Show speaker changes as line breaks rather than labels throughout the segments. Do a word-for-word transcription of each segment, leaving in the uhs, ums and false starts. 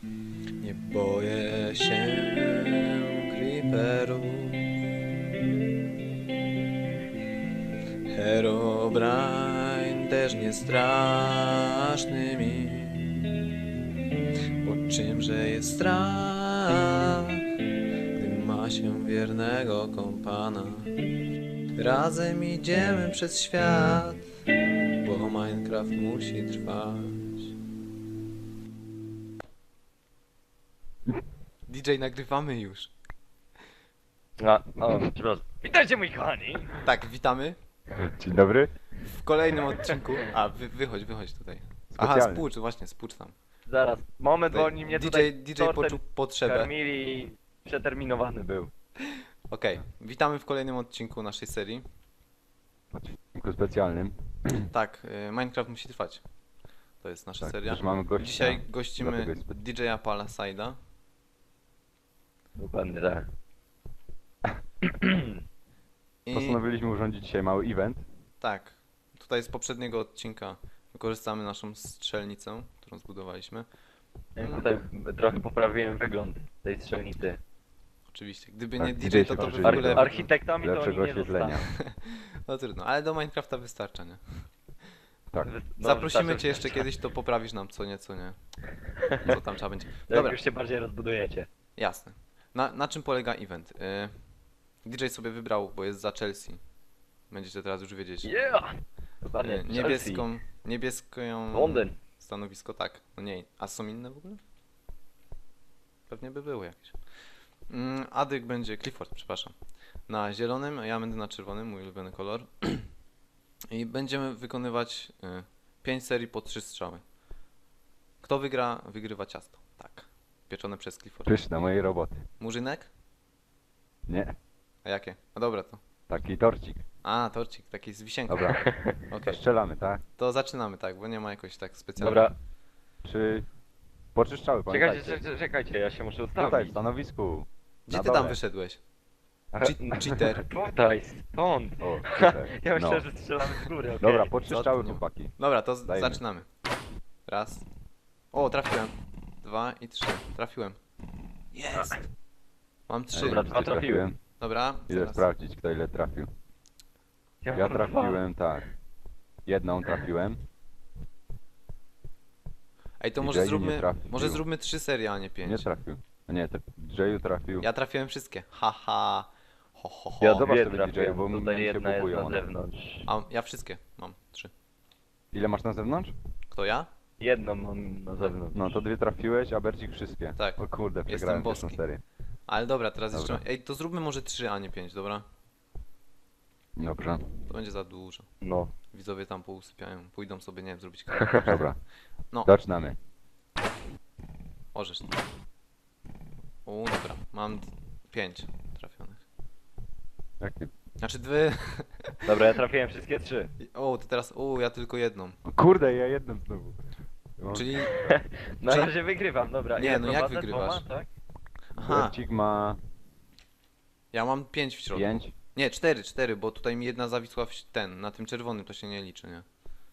Nie boję się creeperów. Herobrine też nie straszny mi. Bo czymże jest strach, gdy ma się wiernego kompana. Razem idziemy przez świat, bo Minecraft musi trwać. D J, nagrywamy już.
A, o, przepraszam. Witajcie moi kochani!
Tak, witamy
Dzień dobry.
w kolejnym odcinku. A, wy, wychodź, wychodź tutaj. Aha,
Specjalny.
spłucz, właśnie, spłucz tam.
Zaraz, moment, bo
Tutaj
oni mnie
D J,
tutaj
D J
tortem
poczuł potrzebę.
karmili, przeterminowany był.
Okej, witamy w kolejnym odcinku naszej serii.
W odcinku specjalnym.
Tak, y, Minecraft musi trwać. To jest nasza
Tak,
seria.
też mamy gościa.
Dzisiaj gościmy
Dlatego jest spe-
D J-a Palaside'a.
Dokładnie tak.
I
Postanowiliśmy urządzić dzisiaj mały event.
tak, tutaj z poprzedniego odcinka wykorzystamy naszą strzelnicę, którą zbudowaliśmy.
Ja tutaj trochę poprawiłem wygląd tej strzelnicy.
Oczywiście, gdyby
Tak,
nie
D J
D J,
się
to to by w
przyjrzał.
ogóle...
Archi-
Architektami to oni
Lepszego
nie
oświetlenia.
zostaną.
No trudno, ale do Minecrafta wystarcza, nie?
Tak.
Wy- no,
Zaprosimy
wystarczy,
cię jeszcze
wystarczy.
kiedyś, to poprawisz nam co nieco, nie? Co tam trzeba będzie.
Jak
Dobra,
już się bardziej rozbudujecie.
jasne. Na, na czym polega event? Y, D J sobie wybrał, bo jest za Chelsea. Będziecie teraz już wiedzieć.
Yeah! Dokładnie,
Y,
Chelsea.
niebieską, niebieską
Londyn.
stanowisko, tak. No nie, a są inne w ogóle? Pewnie by były jakieś. Mm, Adyk będzie, Clifford, przepraszam. Na zielonym, a ja będę na czerwonym, mój ulubiony kolor. I będziemy wykonywać y, pięć serii po trzy strzały. Kto wygra, wygrywa ciasto. Tak. Pieczone przez Clifford.
Pyszne mojej roboty.
Murzynek?
Nie.
A jakie? A dobra to.
Taki torcik.
A, torcik, taki z wisienką.
Dobra.
Okej,
Strzelamy, tak?
to zaczynamy, tak, bo nie ma jakoś tak specjalnie.
Dobra,
Czy poczyszczały,
czekajcie,
pamiętajcie.
czekajcie, czekajcie, ja się muszę
Tutaj, w
ustawić.
stanowisku.
Gdzie
na
ty tam
dole.
wyszedłeś?
Ale-
Che- cheater.
Tutaj, stąd.
O, super.
Ja myślę,
No.
że strzelamy z góry, okej.
Dobra,
Co
poczyszczały
ty-
chłopaki.
Dobra, to z-
Dajmy.
zaczynamy. Raz. O, trafiłem. Dwa i trzy. Trafiłem. Jest! Mam trzy.
Dobra,
Dobra,
dwa trafiłem.
Idę
zaraz.
sprawdzić, kto ile trafił. Ja
mam dwa.
trafiłem, tak. Jedną trafiłem.
Ej, to
D J
może
nie
zróbmy,
trafił.
może zróbmy trzy serie, a nie
Nie
pięć.
trafił. A nie, to Jayu trafił.
Ja trafiłem wszystkie. Haha. Ho, ho, ho.
Ja
Zobacz
dwie
sobie,
trafiłem,
D J, bo mi
tutaj
się
jedna jest
bugują
na
one.
zewnątrz.
A ja wszystkie mam. Trzy.
Ile masz na zewnątrz?
Kto ja?
Jedną mam na zewnątrz.
No to dwie trafiłeś, a Bercik wszystkie.
Tak.
O kurde,
Jestem
przegrałem pierwszą
boski.
serię.
Ale dobra, teraz
Dobra.
jeszcze. Ej, to zróbmy może trzy, a nie pięć, dobra?
Dobrze,
To będzie za dużo.
No.
Widzowie tam pousypiają. Pójdą sobie, nie wiem, zrobić kawę.
dobra.
No.
Zaczynamy.
Orzesz. O, dobra. Mam d- pięć trafionych.
Jak ty...
Znaczy dwie.
Dobra, ja trafiłem wszystkie trzy.
O, to teraz. O, ja tylko jedną.
O kurde, ja jedną znowu. No.
Czyli.
Na
Czy-
razie wygrywam, dobra.
Nie,
Ile
no jak
prowadzę?
wygrywasz?
Dwoma, tak?
Aha,
Bercik ma
ja mam pięć w środku.
pięć.
Nie, cztery, cztery, bo tutaj mi jedna zawisła w ten. Na tym czerwonym to się nie liczy, nie?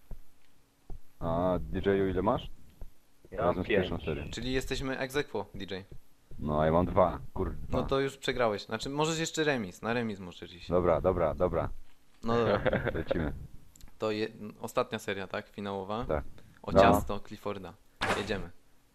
A D J-u ile masz?
Ja mam
Razem z
pięć.
pierwszą serią.
Czyli jesteśmy ex aequo, D J.
No, a ja mam dwa. Kurde.
No to już przegrałeś. Znaczy, możesz jeszcze remis. Na remis możesz iść.
Dobra, dobra, dobra.
No dobra.
Lecimy.
To je... ostatnia seria, tak? Finałowa.
Tak.
O
No.
ciasto Clifforda. Jedziemy.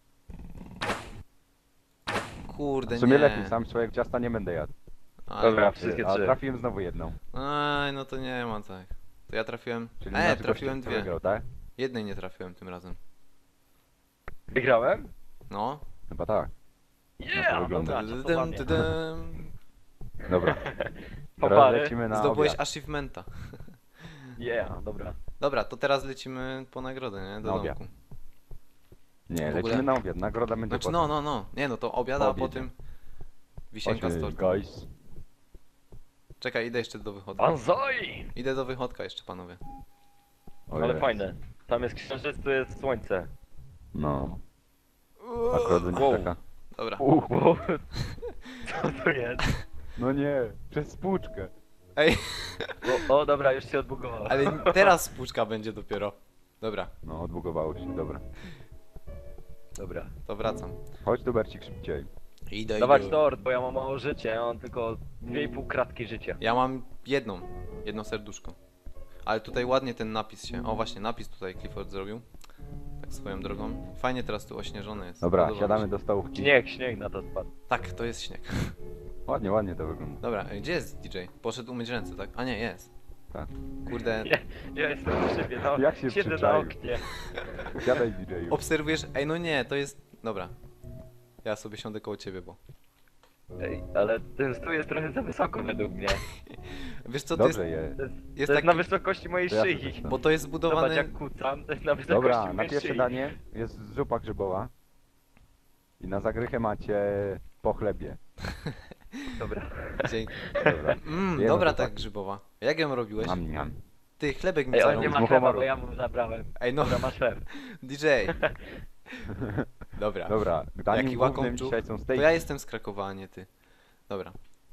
Kurde,
W sumie
nie.
lepiej, sam swoje ciasta nie będę jadł.
Ale-
Dobra, wszystkie
A
trzy.
trafiłem znowu jedną.
Aj, no to nie ma tak. To ja trafiłem.
Czyli
E,
nasz
trafiłem
gościu
dwie.
wygrał, tak?
Jednej nie trafiłem tym razem.
Wygrałem?
No.
Chyba tak.
Yeah!
to wygląda.
Dobra,
Dydym,
czasowanie.
dydym.
Dobra.
Po
Teraz
pary.
lecimy na
Zdobyłeś
obiad.
achievementa.
Yeah, dobra.
Dobra, to teraz lecimy po nagrodę, nie? Do
Na obiad.
domku.
Nie,
w ogóle-
lecimy na obiad. Nagroda będzie
Znaczy,
potem.
no, no, no. Nie, no to obiad,
Po
a
obiedzie.
potem wisienka z
Chodźmy,
tortem.
guys.
Czekaj, idę jeszcze do wychodka.
Banzai!
Idę do wychodka jeszcze, panowie.
O
Ale
jest.
fajne. Tam jest księżyc, tu jest słońce.
No. Akurat będzie
Wow.
taka.
Dobra.
Wow. Co to jest?
No nie, przez spłuczkę.
Ej,
O, o dobra, już się odbugowało.
ale teraz spłuczka będzie dopiero. Dobra.
No, odbugowało się, dobra.
Dobra.
To wracam.
Chodź tu, Bercik, szybciej.
Idę,
Dawać
idę.
tort, bo ja mam mało życia, ja mam tylko dwie i pół kratki życia.
Ja mam jedną, jedno serduszko. Ale tutaj ładnie ten napis się, o właśnie, napis tutaj Clifford zrobił. Tak swoją drogą. Fajnie teraz tu ośnieżone jest.
Dobra,
Podoba mi
siadamy
się.
do stołówki.
Śnieg, śnieg na to spadł.
Tak, to jest śnieg.
Ładnie, ładnie to wygląda.
Dobra, ej, gdzie jest D J? Poszedł umyć ręce, tak? A nie, jest.
Tak.
Kurde,
Ja, ja jestem przy szybie, no.
Jak się
Siedzę na
przyczaił?
oknie.
Siadaj, D J-u.
obserwujesz? Ej, no nie, to jest... Dobra. Ja sobie siądę koło ciebie, bo...
Ej, ale ten stół jest trochę za wysoko według mnie.
Wiesz co, to jest,
Dobrze jest.
To jest,
jest
to jest
taki...
na wysokości mojej
To ja
szyi.
sobie stanę.
Bo to jest
Zobacz
zbudowane...
jak kucam, to jest na wysokości
Dobra,
mojej
na pierwsze
szyi.
danie jest zupa grzybowa. I na zagrychę macie po chlebie.
Dobra.
Dzięki.
Dobra.
Mm,
Jemy,
dobra
chłopaki.
ta grzybowa. Jak ją robiłeś?
Mam, mam.
Ty, chlebek mi
Ej, on
zarąbił.
nie ma
z
chleba,
muchomoru.
bo ja mu zabrałem.
Ej, no,
Dobra, masz chleb.
D J. Dobra.
Dobra, daniem
Jaki
głównym
łakomczuk.
dzisiaj są
To
stejki.
ja jestem z Krakowa, a nie ty. Dobra.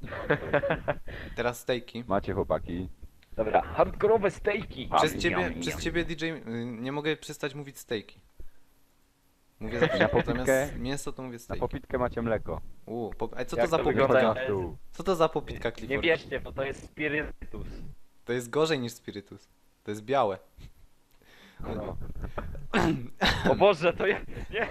Teraz stejki.
Macie chłopaki.
Dobra, hardkorowe stejki.
Przez
Am,
ciebie,
yum,
przez
yum.
ciebie D J, y, nie mogę przestać mówić stejki. Mówię zawsze,
Na popitkę?
zamiast mięso to mówię
Na
stejki.
popitkę macie mleko.
Uuu, pop... Ej, co
Jak
to za
to
popitka?
wygląda?
Na stół.
Co to za popitka,
Nie
Clifford?
wierzcie, bo to jest spirytus.
To jest gorzej niż spirytus. To jest białe.
No. O Boże, to ja... Nie!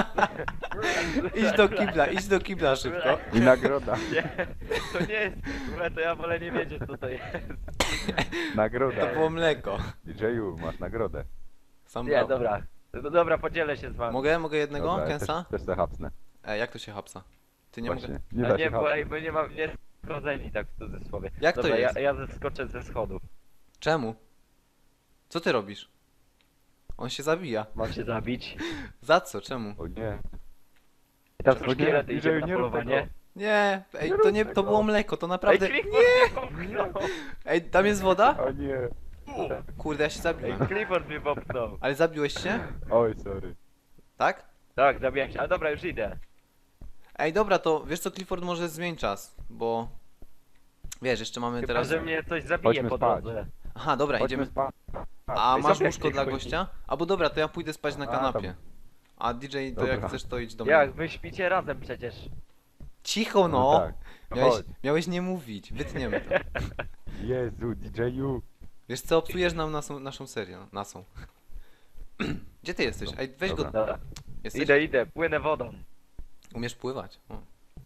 Idź do kibla, idź do kibla szybko.
I nagroda.
Nie, to nie jest... Dobra, to ja wolę nie wiedzieć co to jest.
Nagroda.
To było mleko.
D J-u, masz nagrodę.
Sam
Nie,
brał.
dobra. No dobra, podzielę się z wami.
Mogę? Mogę jednego,
Dobra, ja
Kensa?
też, też se hapsnę.
Ej, jak to się hapsa? Ty nie
Właśnie.
mogę...
Nie
A
da
nie,
się
bo, ej,
hapsnąć.
bo nie mam... Nie rodzeni tak w cudzysłowie.
Jak to
dobra,
jest?
Ja, ja zeskoczę ze schodów.
Czemu? Co ty robisz? On się zabija.
Mam się zabić.
Za co? Czemu?
O nie.
I tam
O
są
nie,
szkielety,
D J,
idziemy na
nie rób
polowanie.
tego.
Nie, ej,
Nie
to
rób
nie, to
tego.
było mleko, to
Ej,
naprawdę...
Clifford mnie popchnął!
Ej, tam jest woda?
O nie.
Kurde, ja się
Ej,
zabiłem.
Clifford mnie popchnął.
Ale zabiłeś się?
Oj, sorry.
Tak?
Tak, zabiłem się. Ale dobra, już idę.
Ej, dobra, to wiesz co, Clifford, może zmień czas, bo... Wiesz, jeszcze mamy
Chyba,
teraz...
że mnie coś zabije
Chodźmy
po
spać.
drodze.
Aha, dobra,
Chodźmy
idziemy...
spać.
A
Ej,
masz
zobacz,
łóżko
jak
dla
chodzi.
gościa? Albo dobra, to ja pójdę spać na
A,
kanapie.
tam.
A D J, to
Dobra.
jak chcesz, to idź do mnie.
Jak, wy śpicie razem przecież.
Cicho no!
tak.
Miałeś,
Chodź.
miałeś nie mówić, wytniemy to.
Jezu, D J-u.
Wiesz co, psujesz nam naszą, naszą serię, no, nasą. Gdzie ty jesteś? Ej, weź
Dobra.
go...
Dobra.
Jesteś?
Idę, idę, płynę wodą.
Umiesz pływać. O.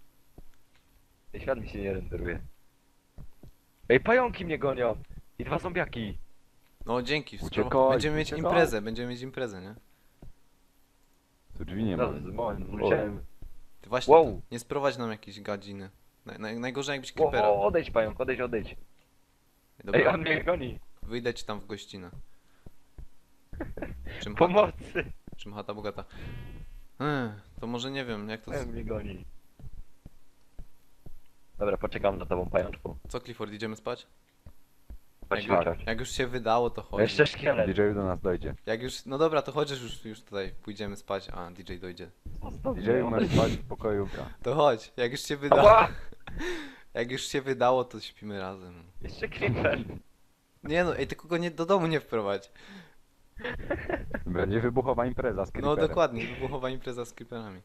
Świat mi się nie renderuje. Ej, pająki mnie gonią. I dwa zombiaki.
No dzięki, spro-
Uciekaj,
będziemy mieć
uciekaj.
imprezę, będziemy mieć imprezę, nie?
Tu drzwi nie ma.
No, moment, musiałem...
Ty właśnie,
Wow.
to nie sprowadź nam jakieś gadziny. Naj, naj, najgorzej jakbyś
O,
creepera.
o, odejdź pająk, odejdź, odejdź.
Dobra,
Ej, on mnie goni.
wyjdę ci tam w gościnę. Czym chata,
Pomocy.
czym chata bogata. Ech, to może nie wiem, jak to...
Pająk mnie goni. Dobra, poczekam na tobą, pajączku.
Co Clifford, idziemy spać?
Chodź,
Jak,
chodź, chodź.
jak już się wydało, to chodź.
Jeszcze szkielet.
D J-u do nas dojdzie.
Jak już, no dobra, to chodź, już, już tutaj pójdziemy spać, a D J dojdzie.
Zostaw
D
mnie,
J-u masz
odejdź.
spać w pokoju.
To chodź, jak już się wydało,
Ała!
jak już się wydało, to śpimy razem.
Jeszcze creeper.
Nie no, ej, tylko go nie, do domu nie wprowadź.
Będzie wybuchowa impreza z
No
creeperem.
dokładnie, wybuchowa impreza z creeperami.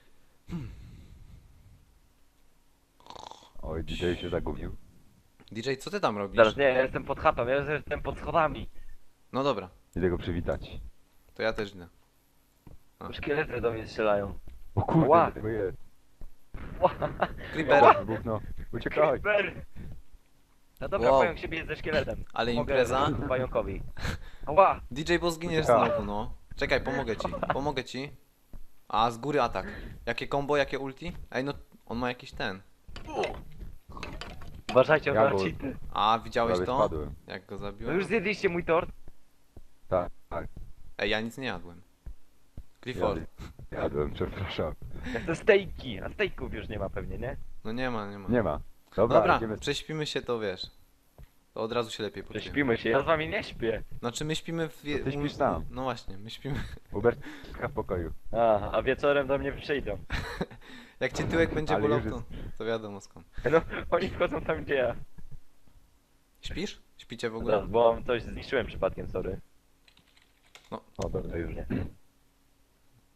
Oj, D J się zagubił.
D J, co ty tam robisz?
Zaraz, nie, ja jestem pod chatą, ja jestem pod schodami.
No dobra,
Idę go przywitać.
to ja też idę. A.
Szkielety do mnie strzelają.
O kurde,
Ła.
tego jest.
Creeper,
Wybuchnął. Uciekaj.
Creeper! No dobra,
Wow.
pająk się bije ze szkieletem.
Ale
Pomogę
impreza?
pająkowi. Ała!
D J, bo zginiesz
Uciekaj.
znowu, no. Czekaj, pomogę ci, pomogę ci. A, z góry atak. Jakie combo, jakie ulti? Ej, no, on ma jakiś ten.
Uważajcie
Ja
na
go-
cheaty.
A, widziałeś
Prawie
to?
spadłem.
Jak go
No
zabiłem?
już zjedliście mój tort?
Tak, tak.
Ej, ja nic nie jadłem. Clifford.
Jadłem, jadłem, przepraszam.
Ja chcę stejki, a stejków już nie ma pewnie, nie?
No nie ma, nie ma.
Nie ma. Dobra,
Dobra,
idziemy.
prześpimy się, to wiesz. To od razu się lepiej poczujemy.
Prześpimy się, ja z wami nie śpię.
Znaczy my śpimy w...
To ty śpisz sam.
No właśnie, my śpimy...
Ubertka w pokoju.
A, a wieczorem do mnie przyjdą.
Jak ci tyłek będzie
Ale
bolał,
już
to, to wiadomo skąd.
No, oni wchodzą tam gdzie ja.
Śpisz? Śpicie w ogóle?
Zaraz, bo coś zniszczyłem przypadkiem, sorry.
O, dobra.
To już nie.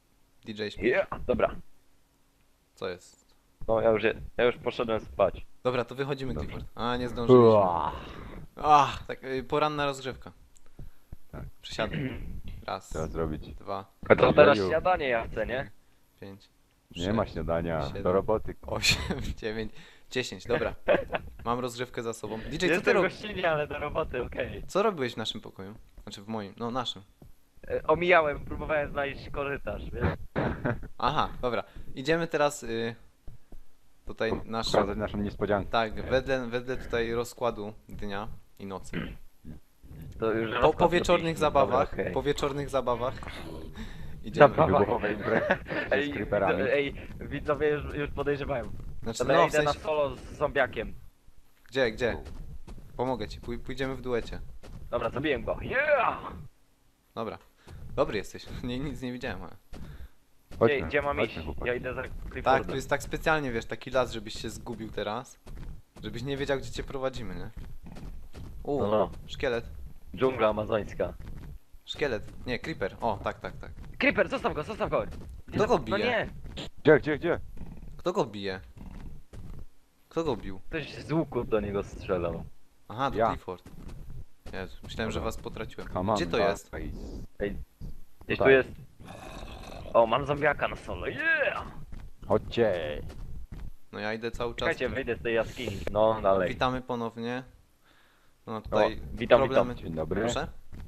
D J śpi.
Yeah, dobra.
Co jest?
No ja już, je, ja już poszedłem spać.
Dobra, to wychodzimy,
Dobrze.
Clifford. A, nie zdążyliśmy.
Ua.
Ach, tak, y, poranna rozgrzewka.
Tak.
Przysiadaj. Raz,
Trzeba zrobić.
dwa,
A to teraz
Ojeju.
śniadanie ja chcę, nie?
pięć,
Nie ma śniadania.
siedem.
Do roboty.
osiem, dziewięć, dziesięć. Dobra. Mam rozgrzewkę za sobą. D J, co ty
Jestem
robisz?
gościnnie, ale do roboty, okej.
Co robiłeś w naszym pokoju? Znaczy w moim, no naszym.
E, Omijałem, próbowałem znaleźć korytarz, wiesz?
Aha, dobra. Idziemy teraz y, tutaj nasz.
Pokazać naszą niespodziankę.
Tak, wedle, wedle tutaj rozkładu dnia i nocy.
To już
Po,
rozkład
po wieczornych
zrobiliśmy.
zabawach,
Dobra, okej.
po wieczornych zabawach idziemy.
Zabawa.
Wybuchowe imprezy
Ej,
z creeperami.
widzo- ej, widzowie już, już podejrzewają.
Znaczy,
Dobra,
no
ja
w
idę na
sensie,
solo z zombiakiem.
gdzie, gdzie? Pomogę ci, pój, pójdziemy w duecie.
Dobra, zabiłem go. Yeah!
Dobra. Dobry jesteś. Nie, nic nie widziałem, ale.
Gdzie,
Chodźmy,
gdzie mam iść?
chodźmy, chłopaki.
Ja idę za
Tak,
Cliffordem.
tu jest tak specjalnie, wiesz, taki las, żebyś się zgubił teraz. Żebyś nie wiedział, gdzie cię prowadzimy, nie? U,
No, no.
szkielet.
Dżungla amazońska.
Szkielet. Nie, creeper. O, tak, tak, tak.
Creeper, zostaw go, zostaw go!
Kto go
No
bije?
nie!
Gdzie, gdzie, gdzie?
Kto go bije? Kto go bił?
Ktoś z łuku do niego strzelał.
Aha, to
Ja.
Clifford. Jezu, myślałem, że was potraciłem.
Come on,
Gdzie to jest?
guys.
Ej, gdzieś
Tak.
tu jest... O, mam zombiaka na solo, yeah!
Chodźcie.
No ja idę cały czas.
Czekajcie, wyjdę z tej jaskini. No, dalej.
Witamy ponownie. No tutaj
O, witam,
problemy.
witam.
Dzień dobry.
Proszę?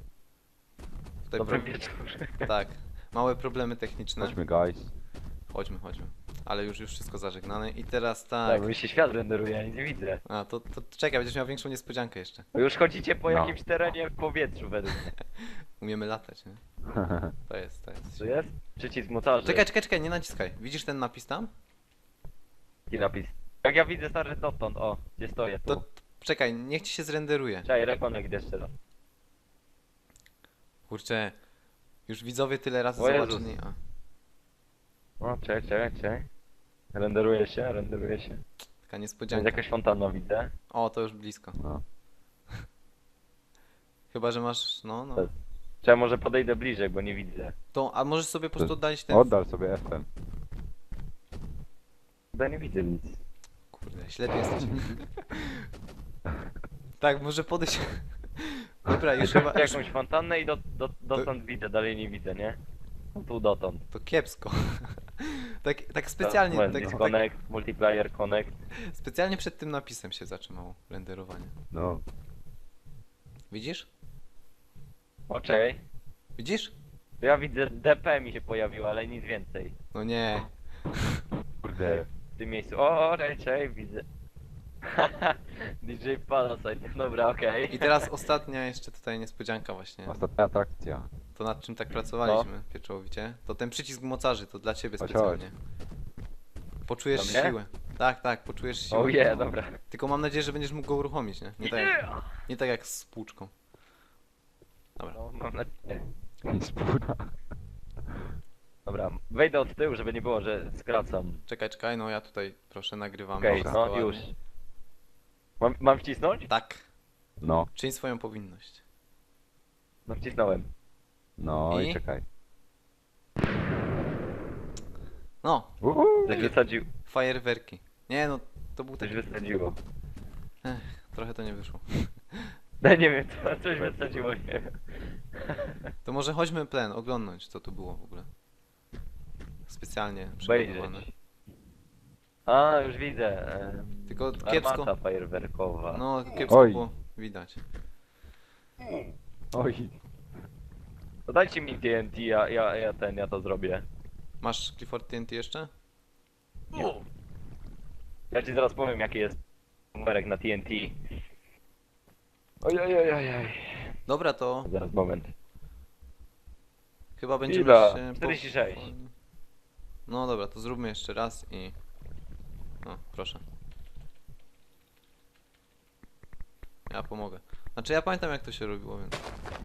Tutaj
Dobry
pro...
wieczór.
Tak. Małe problemy techniczne.
Chodźmy, guys.
Chodźmy, chodźmy. Ale już już wszystko zażegnane. I teraz tak.
Tak, bo mi się świat renderuje, ja nic nie widzę.
A to, to czekaj, będziesz miał większą niespodziankę jeszcze.
Bo już chodzicie po
No.
jakimś terenie w powietrzu według mnie.
Umiemy latać, nie? To jest, to jest.
Co jest? Przycisk mocarzy.
Czekaj, czekaj, czekaj, nie naciskaj. Widzisz ten napis tam?
Jaki napis? Jak ja widzę stary dotąd, o, gdzie stoję tu.
To to- czekaj, niech ci się zrenderuje.
Czekaj, reconnect jeszcze raz.
Kurczę. Już widzowie tyle razy
O Jezus.
zobaczyli. A,
O, czekaj, czekaj, czekaj. Renderuje się, renderuje się.
taka
Jest
niespodzianka.
jakaś fontanna widzę.
O, to już blisko.
No.
Chyba, że masz. No, no.
Tak. Czekaj, może podejdę bliżej, bo nie widzę.
To, a możesz sobie po prostu oddalić ten.
Oddal sobie F M.
Chyba nie widzę nic.
Kurde, ślepy jesteś. Tak, może podejść. Dobra, już chyba. Już,
Jakąś fontannę i do, do, dotąd widzę, dalej nie widzę, nie? No tu dotąd.
to kiepsko. Tak, tak specjalnie,
Moment,
tak, tak,
disconnect, multiplayer connect.
specjalnie przed tym napisem się zatrzymało renderowanie.
No.
Widzisz?
O, czekaj.
Widzisz?
Ja widzę D P mi się pojawiło, ale nic więcej.
No nie.
Kurde.
W tym miejscu. O, czekaj, czekaj, widzę. D J Palasite, dobra, okej.
I teraz ostatnia jeszcze tutaj niespodzianka właśnie.
Ostatnia atrakcja.
To nad czym tak pracowaliśmy pieczołowicie. To ten przycisk mocarzy, to dla ciebie
Chodź,
specjalnie. Poczujesz
Dla mnie?
siłę. Tak, tak, poczujesz siłę.
O je, dobra.
Tylko mam nadzieję, że będziesz mógł go uruchomić, nie? Nie tak, jak,
Yeah!
nie tak jak z płuczką. Dobra.
No, mam nadzieję.
Spójna.
Dobra, wejdę od tyłu, żeby nie było, że skracam.
Czekaj, czekaj, no ja tutaj proszę nagrywam.
Okej,
wszystko
no
ładnie.
już. Mam, mam wcisnąć?
Tak.
No,
Czyń swoją powinność.
No wcisnąłem.
no i,
I?
czekaj.
No,
Uhu.
Coś wysadził.
fajerwerki. Nie no, to był
Coś
taki...
wysadziło.
Trochę to nie wyszło.
No nie wiem, co, coś wysadziło, nie wiem.
To może chodźmy plen, oglądnąć co tu było w ogóle. Specjalnie przygotowane.
Obejrzeć. A, już widzę. em,
Tylko kiepsko.
Armata fajerwerkowa.
No, kiepsko
Oj.
było widać.
Oj.
To dajcie mi T N T, ja, ja, ja ten, ja to zrobię.
Masz Clifford T N T jeszcze?
Ja ci zaraz powiem, jaki jest numerek na T N T. Oj, oj, oj, oj, oj.
Dobra, to
Zaraz, moment.
chyba będziemy
Ile?
się... po-
czterdzieści sześć.
No dobra, to zróbmy jeszcze raz i... No, proszę. Ja pomogę. Znaczy ja pamiętam jak to się robiło, więc...